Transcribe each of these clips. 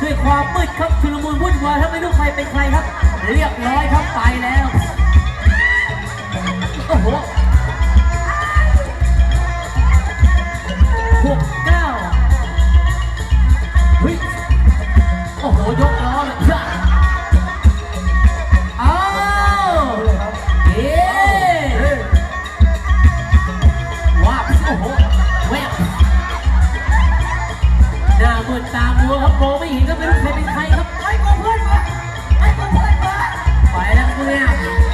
ด้วยความมืดครับชุลมุนวุ่นวายถ้าไม่รู้ใครเป็นใครครับ เรียบร้อยครับไปแล้วโอ้โห69เฮ้ยโอ้โหยกล้อเลยอ้าวเอ๊ว้าวโอ้โหแวบหน้ามืดตามัวครับมองไม่เห็นก็ไม่รู้ใครเป็นใครครับไอ้กูเพื่อนมาไอ้กูเพื่อนมาไปแล้วกูเนี่ย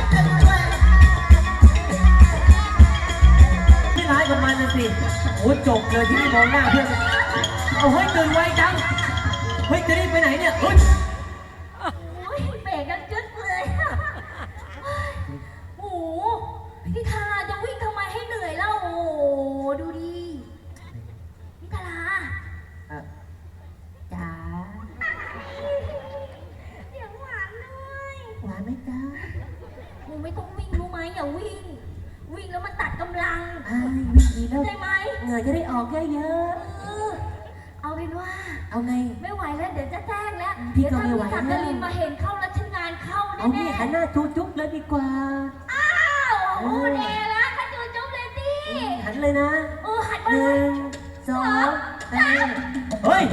ที่ร้ายกับมันน่ะสิโอ้จบเลยที่นี่มองหน้าเพื่อนเอาเฮ้ยตื่นไวจังเฮ้ยจะรีบไปไหนเนี่ยเฮ้ยเบรกกันจึ๊ดเลยโอ้โหพี่ทาราจะวิ่งทำไมให้เหนื่อยแล้วโอ้ดูดิพี่ทาราจ๋าเสียงหวานเลยหวานไหมจ๊ะหนูไม่ต้องวิ่งรู้ไหมอย่าวิ่งวิ่งแล้วมันตัดกำลังวิ่งดีแล้วใช่ไหมเหงื่อจะได้ออกเยอะเอาเป็นว่าเอาไงไม่ไหวแล้วเดี๋ยวจะแจ้งแล้วพี่ก็ไม่ไหวถ้าพี่สักกลินมาเห็นเข้าแล้วฉันงานเข้าแน่ๆเอาเนี่ยหันหน้าจูจุ๊บเลยดีกว่าอ้าวโอ้เดแล้วถ้าจูจุ๊บเลยดิหันเลยนะหันมาเลย 1 2 3 เฮ้ย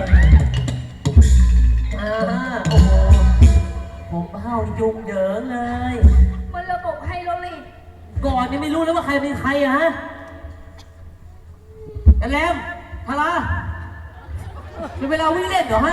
โอ้โหผมเห่ายุงเหยิงเลยมันระบบไฮโดรลิกก่อนนี่ไม่รู้แล้วว่าใครเป็นใครอะฮะแลมทาราเป็นเวลาวิ่งเล่นเหรอฮะ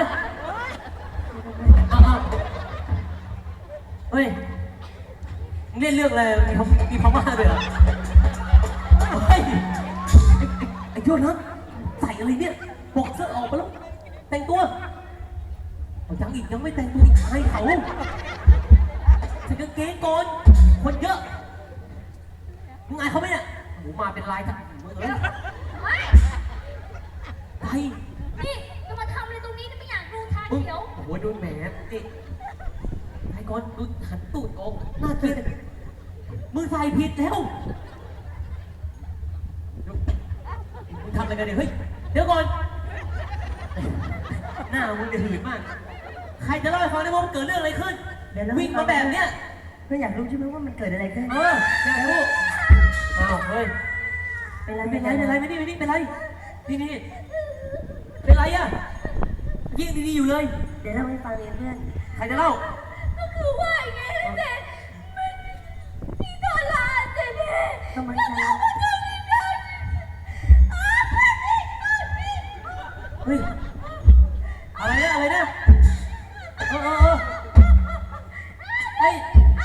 เฮ้ยเล่นเรื่องอะไรมีพม่าด้วยเหรอเฮ้ยไอ้โยนนะใส่อะไรเนี่ยบอกเสื้อออกมาแล้วแต่งตัวยังอีกยังไม่แต่งตัวอีกให้เขาใส่กางเกงก่อนคนเยอะมึงไงเขาไหมเนี่ยหมูมาเป็นลายทั้งมือเลยไปนี่จะมาทำอะไรตรงนี้ไม่อยากดูทางเขียวโอ้โหดูแหมนี่ไอ้ก่อนดูหันตูดออกหน้าเกลียดมึงใส่ผิดแล้วมึงทำอะไรกันเนี่ยเฮ้ยเดี๋ยวก่อนหน้ามึงจะหืดมากใครจะเล่าให้ฟังได้ว่ามันเกิดเรื่องอะไรขึ้นวิ่งมาแบบเนี้ยเพื่อนอยากรู้ใช่ไหมว่ามันเกิดอะไรขึ้นอยากรู้อ้าวเฮ้ยเป็นไรไม่นี่เป็นไรนี่เป็นไรอะยิ่งดีๆอยู่เลยเดี๋ยวเล่าให้ฟังเองเพื่อนใครจะเล่าก็คือว่าไงเด็กพี่ดาราเด็กทำไมจ๊ะเฮ้ยอะไรนะเฮ้ย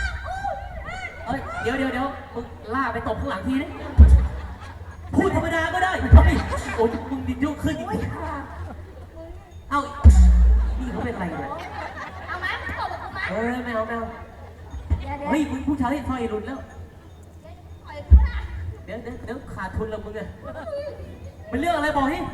เดี๋ยวมึงล่าไปตบข้างหลังทีนี่พูดธรรมดาก็ได้เฮ้ยโอ้ยมึงดิยุ่งขึ้นอีกเอ้านี่เขาเป็นอะไรเนี่ยเอาไหมตบกับกูไหมไม่เอาเฮ้ยมึงผู้ชายไฟรุนแล้วเดี๋ยวขาดทุนแล้วมึงอะมันเรื่องอะไรบอกให้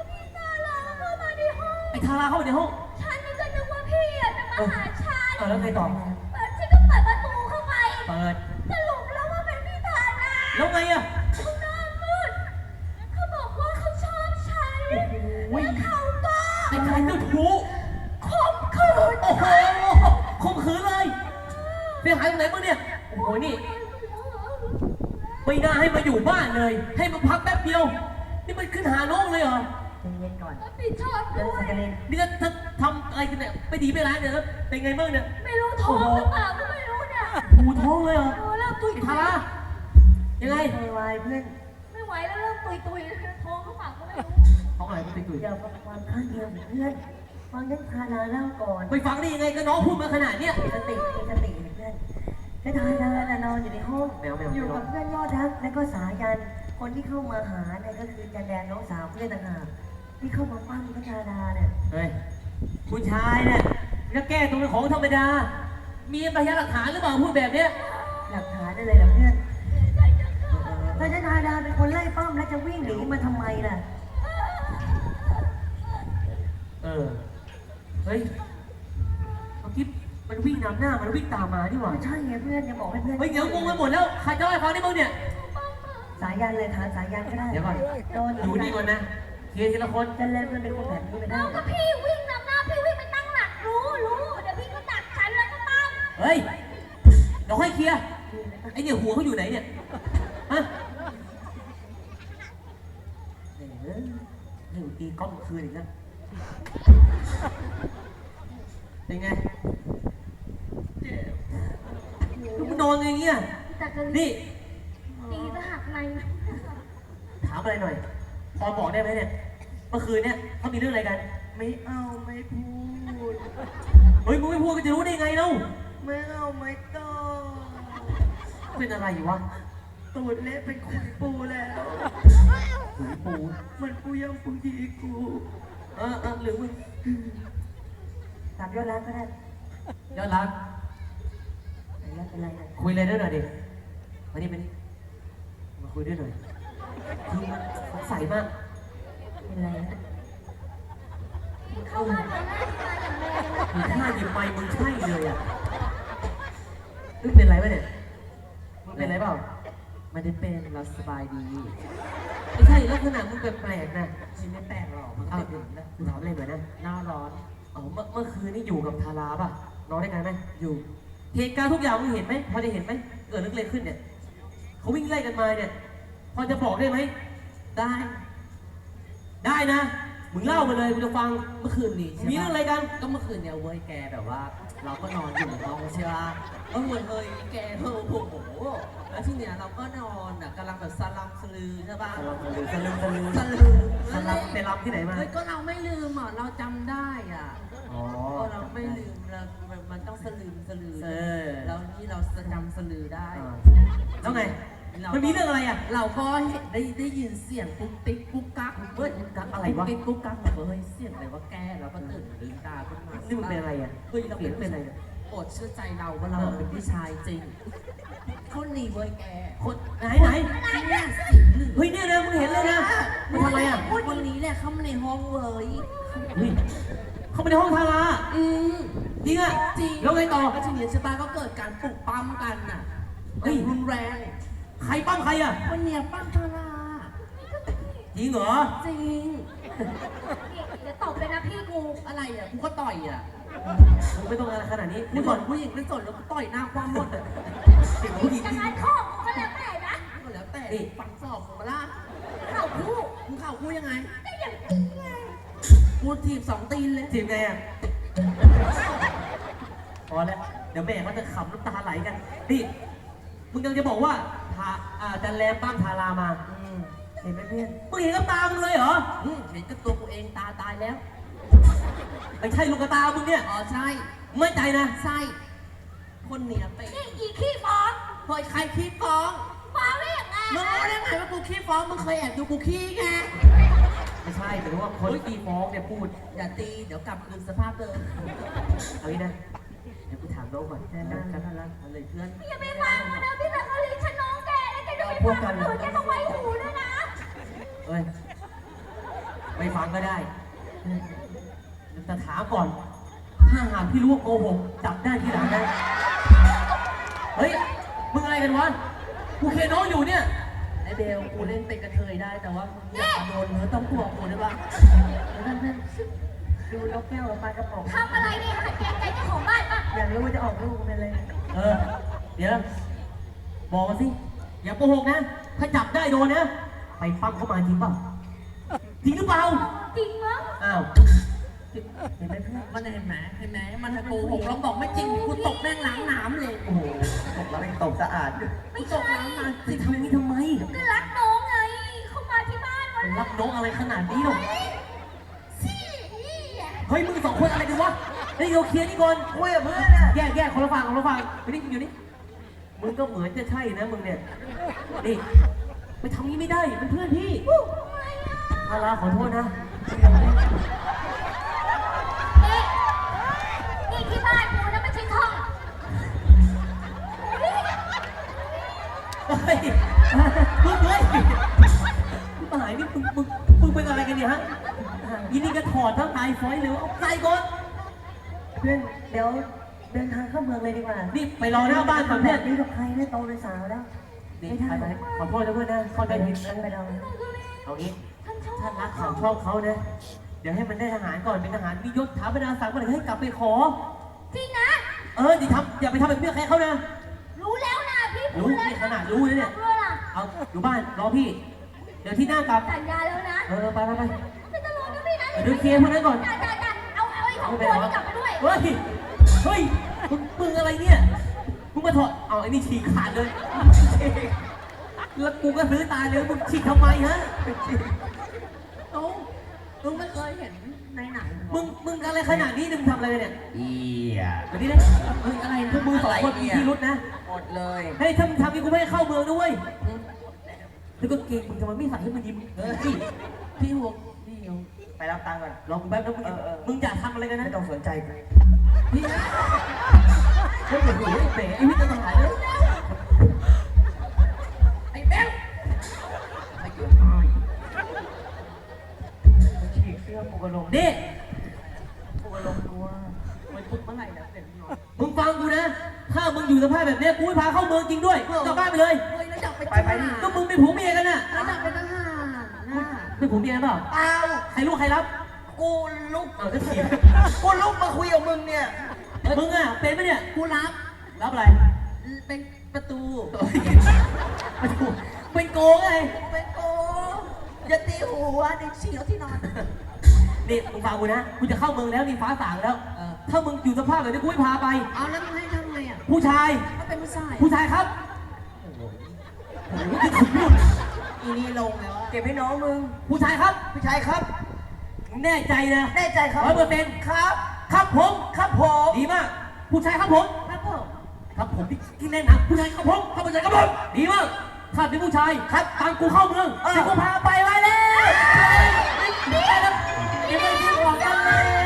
ไอ้ทาราเข้าในห้องฉันนี่ก็นึกว่าพี่จะมาหาฉันแล้วไงต่อฉันก็เปิดประตูเข้าไปเปิดสรุปแล้วว่าเป็นพี่ทาราแล้วไงอะเขาหน้ามืดเขาบอกว่าเขาชอบฉันแล้วเขาก็ไอ้ชายเจ้าชู้ข่มขืนโอ้โหข่มขืนเลยเสียหายตรงไหนบ้างเนี่ยโอ้โหนี่ไม่น่าให้มาอยู่บ้านเลยให้มาพักแป๊บเดียวนี่มันขึ้นหาน้องเลยเหรอเย็นก่อนพี่ชอบด้วยนี่ถ้าทำอะไรกันเนี่ยไม่ดีไม่ร้ายเนี่ยแล้วเป็นไงบ้างเนี่ยไม่รู้ท้องหรือเปล่าก็ไม่รู้เนี่ยหูท้องเลยเหรอเริ่มตุยทารายังไงวายเพื่อนไม่ไหวแล้วเริ่มตุยท้องหรือเปล่าก็ไม่รู้ท้องอะไรก็ตุยเดี๋ยวความข้างเดียวเพื่อนฟังยันทาราเล่าก่อนไปฟังได้ยังไงก็น้องพูดมาขนาดเนี้ยสติเพื่อนให้ทาราน่ะนอนอยู่ในห้องอยู่กับเพื่อนยอดรักและก็สายันคนที่เข้ามาหาเนี่ยก็คือจันแดงน้องสาวเพื่อนต่างหากที่เข้ามาปั้มพัชราดาเนี่ยเฮ้ยผู้ชายเนี่ยจะแก้ตัวเป็นของธรรมดามีพยานหลักฐานหรือเปล่าพูดแบบเนี้ยหลักฐานได้เลยเหรอเพื่อนพัชราดาเป็นคนไล่ปั้มแล้วจะวิ่งหนีมาทำไมล่ะเฮ้ยเมื่อกี้มันวิ่งนำหน้ามันวิ่งตามมาดีกว่าใช่ไงเพื่อนจะบอกให้เพื่อนเฮ้ยเดี๋ยวงงไปหมดแล้วใครจะไล่ฟังได้บ้างเนี่ยสายันเลยถามสายันก็ได้เดี๋ยวก่อนดูนี่ก่อนนะเคลียร์ทีละคนจะเล่นมันเป็นคนแบบนี้ไปได้แล้วก็พี่วิ่งนำหน้าพี่วิ่งไปตั้งนเนี่ยหัวเขาอยู่ไหนเนี่ยฮะให้กูตีกล้องคืนอีกแล้วเป็นไงมึงนอนอย่างเงี้ยแต่ก็นี่ตีจะหักในถามอะไรหน่อยพอบอกได้ไหมเนี่ยเมื่อคืนเนี่ยเขามีเรื่องอะไรกันไม่เอาไม่พูดเฮ้ยมึงไม่พูดก็จะรู้ได้ไงเล่าไม่เอาไม่ต้องเป็นอะไรอยู่วะตูดเละเป็นขุยปูแล้วหรือปูมันปูยังปูดีกูหรือมึงตามยอดรักก็ได้ยอดรักยอดเป็นไรนะคุยอะไรด้วยหน่อยดิมาดิมาคุยด้วยหน่อยคือสงสัยมากเป็นไรนะเข้าบ้านมาหน้าตาอย่างแรงเลยมึงท่าหยิบไม้มึงใช่เลยอ่ะมึงเป็นไรวะเนี่ยมึงเป็นไรเปล่าไม่ได้เป็นเราสบายดีไม่ใช่ลักษณะมึงแปลกๆนะไม่แปลกหรอกมันก็เอาเป็นอย่างนี้นะถามอะไรหน่อยนะหน้าร้อนเมื่อคืนนี่อยู่กับทาราป่ะนอนด้วยกันไหมอยู่เหตุการณ์ทุกอย่างมึงเห็นไหมพอจะเห็นไหมเกิดเรื่องอะไรขึ้นเนี่ยเขาวิ่งไล่กันมาเนี่ยพอจะบอกได้ไหมได้ได้นะมึงเล่ามาเลยกูจะฟังเมื่อคืนนี้ใช่มีเรื่องอะไรกันก็เมื่อคืนเนี่ยเว้ยแกแบบว่า เราก็นอนอยู่ในห้องใช่ป่ะเฮ้ยแกโอ้โหแล้วที่เนี้ยเราก็นอนอ่ะกำลังแบบสลัมสลือใช่ป่ะสลืมสลือสลับไปรำที่ไหนมาเฮ้ยก็เราไม่ลืมอ่ะเราจำได้อ่ะอ๋อก็เราไม่ลืมเรามันต้องสลืมสลือเออแล้วนี่เราจำสลือได้แล้วไงมันมีเรื่องอะไรอ่ะเราก็เห็นได้ยินเสียงปุ๊กติ๊กปุ๊กกักเฮ้ยกักอะไรวะปุ๊กติ๊กปุ๊กกักแบบเฮ้ยเสียงอะไรวะแกเราก็ตื่นลืมตาขึ้นมานี่มันเป็นอะไรอ่ะเฮ้ยเราเสียงเป็นอะไรเนี่ยโปรดเชื่อใจเราว่าเราเป็นผู้ชายจริงเขาหนีเว้ยแกคนไหนเนี่ยสีเหลืองเฮ้ยเนี่ยนะมึงเห็นเลยนะมึงทำอะไรอ่ะคนนี้แหละเข้ามาในห้องเว้ยเฮ้ยเข้าไปในห้องทาราอืมจริงอ่ะจริงแล้วไงต่อก็ทีนี้ใช่ปะก็เกิดการปลุกปั้มกันน่ะเฮ้ยรุนแรงใครปั้มใครอ่ะคนเนี้ยปั้มทาราจริงเหรอจริงเดี๋ยวตบเลยนะพี่กูอะไรอ่ะกูก็ต่อยอ่ะมึงไม่ต้องอะไรขนาดนี้กูเดี๋ยวสก่อน นผู้หญิงไม่สนแล้วก็ต่อยหน้าความหมดอ่ะเด็กผู้หญิงจะที่งานข้อกูก็แล้วแต่นะก็แล้วแต่ฝังศอกของมาล่าเข้าคู่มึงเข่ากูยังไงได้อย่างนี้ไงกูถีบ2 ตีนเลยทีมไงอ่ะพอแล้วเดี๋ยวแม่เขาจะขำน้ำตาไหลกันนี่มึงยังจะบอกว่าจันแรมปั้มทารามาเห็นไหมเพื่อนมึงเห็นกับตามึงเลยเหรอเห็นกับตัวกูเองตาตายแล้วไม่ใช่ลูกกระตามึงเนี่ยอ๋อใช่ไม่ใจนะใช่คนเนี้ยเป็นนี่อีขี้ฟ้องเคยใครขี้ฟ้องฟ้องได้ยังไงมึงรู้ได้ไงว่ากูขี้ฟ้องมึงเคยแอบดูกูขี้ไงไม่ใช่แต่ว่าคนตีฟ้องเนี่ยพูดอย่าตีเดี๋ยวกลับคืนสภาพเดิมเอางี้นะเดี๋ยวกูถามน้องก่อนน่ารักน่ารักอะไรเพื่อนอย่าไปฟังมันนะพี่สักกะลีฉันน้องแกแล้วแกจะไปฟังหนูแกต้องไว้หูด้วยนะเอ้ยไม่ฟังก็ได้แต่ถามก่อน ถ้าหากพี่รู้ว่าโกหกจับได้ทีหลังนะเฮ้ยมึงอะไรกันวะกูเคน้องอยู่เนี่ยไอเบลกูเล่นเป็นกระเทยได้แต่ว่ามึงอย่าโดนเนื้อต้องตัวกูได้ปะเพื่อนเพื่อนดูนกแก้วกับปลากระป๋องทำอะไรเนี่ยหัดเกรงใจเจ้าของบ้านป่ะอยากรู้ว่าจะออกลูกเป็นอะไรเออ เดี๋ยวบอกมาสิ อย่าโกหกนะ ถ้าจับได้โดนนะ ไปปั้มเขามาจริงเปล่า จริงหรือเปล่าจริงมั้งอ้าวเห็นไหมเพื่อนมันเห็นไหมมันจะโกหกเราบอกไม่จริงกูตกแม่งล้างน้ำเลยโอ้โหตกแล้วตกสะอาดไม่ตกใช่ล้างน้ำจะทำอย่างนี้ทำไมก็รักน้องไง เข้ามาที่บ้านวันรักน้องอะไรขนาดนี้หรอสินี่อ่ะเฮ้ยมึงสองคนอะไรกันวะเฮ้ยเราเคลียร์นี่ก่อนคุยกับเพื่อนอ่ะแยกคนละฝั่งอยู่นี่อยู่นี่ มึงก็เหมือนจะใช่นะมึงเนี่ย นี่ไปทำนี้ไม่ได้เป็นเพื่อนพี่ทำไมอ่ะอาลาขอโทษนะนี่ที่บ้านกูนะไม่ใช่ห้องเฮ้ยมึงเฮ้ยมึงหายนี่มึงเป็นอะไรกันเนี่ยฮะยินดีก็ถอดทั้งตายฟอยเลยเอาใจก่อนเพื่อนเดี๋ยวเดินทางเข้าเมืองเลยดีกว่านี่ไปรอหน้าบ้านก่อนแบเพื่อนบนี้กับใครเนี่ยโตเป็นสาวแล้วนี่ไม่ได้ไปขอโทษนะเพื่อนนะเข้าใจผิดนะไปรอเอางี้ฉันชอบถ้ารักเขาชอบเขานะ เดี๋ยวให้มันได้ทหารก่อนเป็นทหารมียศถาบรรดาศักดิ์มาเลยให้กลับไปขอจริงนะอย่าไปทำแบบเพื่อนใครเขานะรู้แล้วนะพี่ผรู้นี่ขนาดรู้เลยเนี่ยด้วยล่ะเอาอยู่บ้านรอพี่ เดี๋ยวที่หน้ากลับสัญญาแล้วนะไปไปไปไม่ต้องรอนะพี่นะเดี๋ยวเคลียร์พวกนั้นก่อนจ้าเอาไอ้ของตัวนี้กลับไปด้วยเฮ้ย เฮ้ย มึงอะไรเนี่ย มึงมาถอด เอาไอ้นี่ฉีกขาดเลย แล้วกูก็ซื้อตายเลยมึงฉีกทำไมฮะเอ้ามึงไม่เคยเห็นในหนังเหรอมึงอะไรขนาดนี้มึงทำอะไรเนี่ยเอียแบบนี้นะเฮ้ยอะไรพวกมึงสองคนมีพิรุษนะหมดเลยเฮ้ยถ้ามึงทำนี่กูไม่ให้เข้าเมืองด้วยแล้วก็เกงมึงทำไมไม่ใส่ให้มันยิ้มเฮ้ยพี่ห่วงพี่เอาไปรับตังค์ก่อนรอกูแป๊บนะมึงอย่าทำอะไรกันนะไม่ต้องสนใจกูพี่เฮ้ยโอ้โหเป๋ไอ้วิทย์จะตายเลยไอ้แบ๊วไม่เกี่ยวฉีกเสื้อปูกระลงนี่ปูกระลงตัวมันพุดเมื่อไหร่นะเสร็จพี่น้องมึงฟังกูนะ ถ้ามึงอยู่สภาพแบบเนี้ยกูไม่พาเข้าเมืองจริงด้วยกลับบ้านไปเลยเฮ้ยแล้วอยากเป็นไปทหารก็มึงเป็นผัวเมียกันน่ะแล้วอยากเป็นทหารนะเป็นผัวเมียกันเปล่าเปล่าใครรู้ใครรับกูลุกเอาก็เถียงกูลุกมาคุยกับมึงเนี่ยมึงอ่ะเป็นไหมเนี่ยกูรับรับอะไรเป็นประตูมาถูกเป็นโกงไงเป็นโกอย่าตีหัวเด็กเฉียวที่นอนนี่มึงฟังกูนะกูจะเข้าเมืองแล้วนี่ฟ้าสางแล้ว ถ้ามึงอยู่สภาพแบบนี้กูไม่พาไปเอาแล้วมึงให้ทำไงอ่ะผู้ชายถ้าเป็นผู้ชายผู้ชายครับโอ้โหนี่ถึงนู่นอีนี่ลงแล้วอะเก็บให้น้องมึงผู้ชายครับผู้ชายครับแน่ใจนะแน่ใจครับ 100% ครับครับผมครับผมดีมาก ผู้ชายครับผมครับผมครับผมที่แน่นอนผู้ชายครับผมครับผู้ชายครับผมดีมากถ้าเป็นผู้ชายครับตามกูเข้าเมืองเดี๋ยวกูพาไปไว้แล้วไปแล้วเดี๋ยวไปที่หัวกันเลย